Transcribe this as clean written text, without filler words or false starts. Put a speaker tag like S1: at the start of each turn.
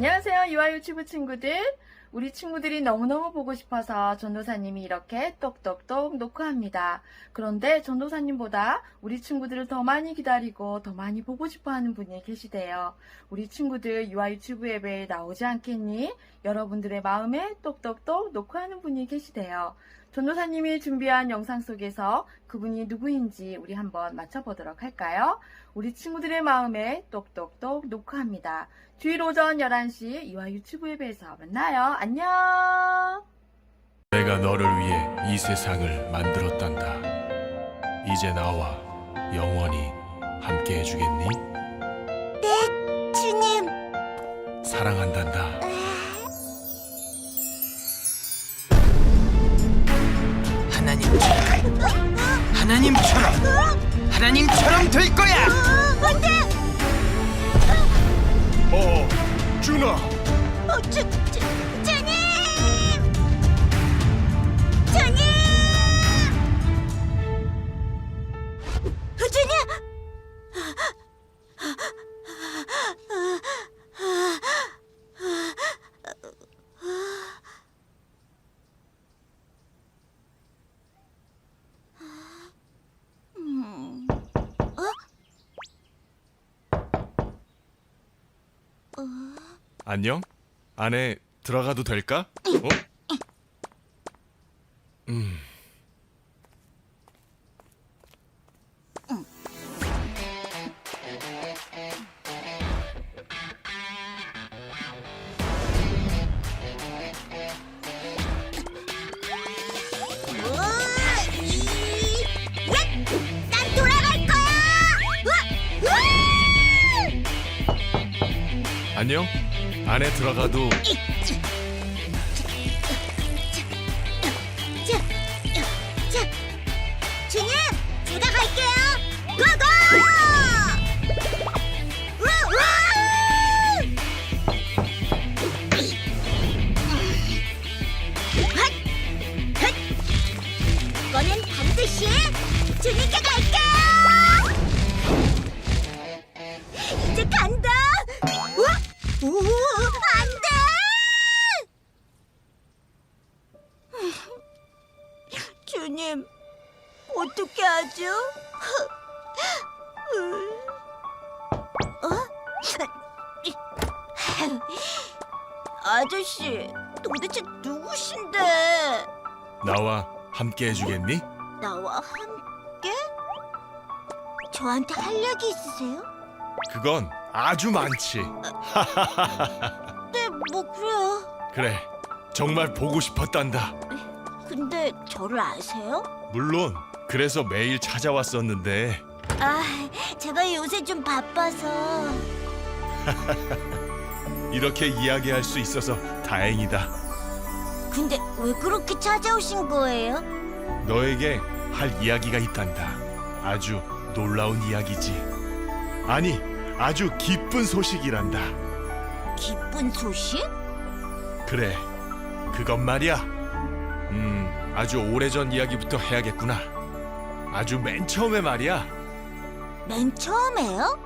S1: 안녕하세요. 유아 유튜브 친구들. 우리 친구들이 너무너무 보고 싶어서 전도사님이 이렇게 똑똑똑 녹화합니다. 그런데 전도사님보다 우리 친구들을 더 많이 기다리고 더 많이 보고 싶어하는 분이 계시대요. 우리 친구들 유아 유튜브 앱에 나오지 않겠니? 여러분들의 마음에 똑똑똑 녹화하는 분이 계시대요. 전도사님이 준비한 영상 속에서 그분이 누구인지 우리 한번 맞춰보도록 할까요? 우리 친구들의 마음에 똑똑똑 녹화합니다. 주일 오전 11시 유아 유튜브 앱에서 만나요. 안녕.
S2: 내가 너를 위해 이 세상을 만들었단다. 이제 나와 영원히 함께 해주겠니?
S3: 네, 주님.
S2: 사랑한단다.
S4: 하나님처럼 될 거야.
S3: 안 돼!
S2: 준아!
S3: 주님! 주님! 주님!
S2: 안녕? 안에 들어가도 될까? 어?
S3: 난 돌아갈 거야!
S2: 안녕? 안에 들어가도
S3: 주님, 제가 갈게요. 고고! 이거는 반드시 주님께 갈게요. 이제 간다. 오, 안 돼! 주님, 어떻게 하죠? 아저씨, 도대체 누구신데?
S2: 나와 함께 해주겠니?
S3: 나와 함께? 저한테 할 얘기 있으세요?
S2: 그건 아주 많지.
S3: 네, 뭐 그래요.
S2: 그래, 정말 보고 싶었단다.
S3: 근데 저를 아세요?
S2: 물론 그래서 매일 찾아왔었는데
S3: 아, 제가 요새 좀 바빠서.
S2: 이렇게 이야기할 수 있어서 다행이다.
S3: 근데 왜 그렇게 찾아오신 거예요?
S2: 너에게 할 이야기가 있단다. 아주 놀라운 이야기지. 아니, 아주 기쁜 소식이란다.
S3: 기쁜 소식?
S2: 그래, 그것 말이야. 아주 오래전 이야기부터 해야겠구나. 아주 맨 처음에 말이야.
S3: 맨 처음에요?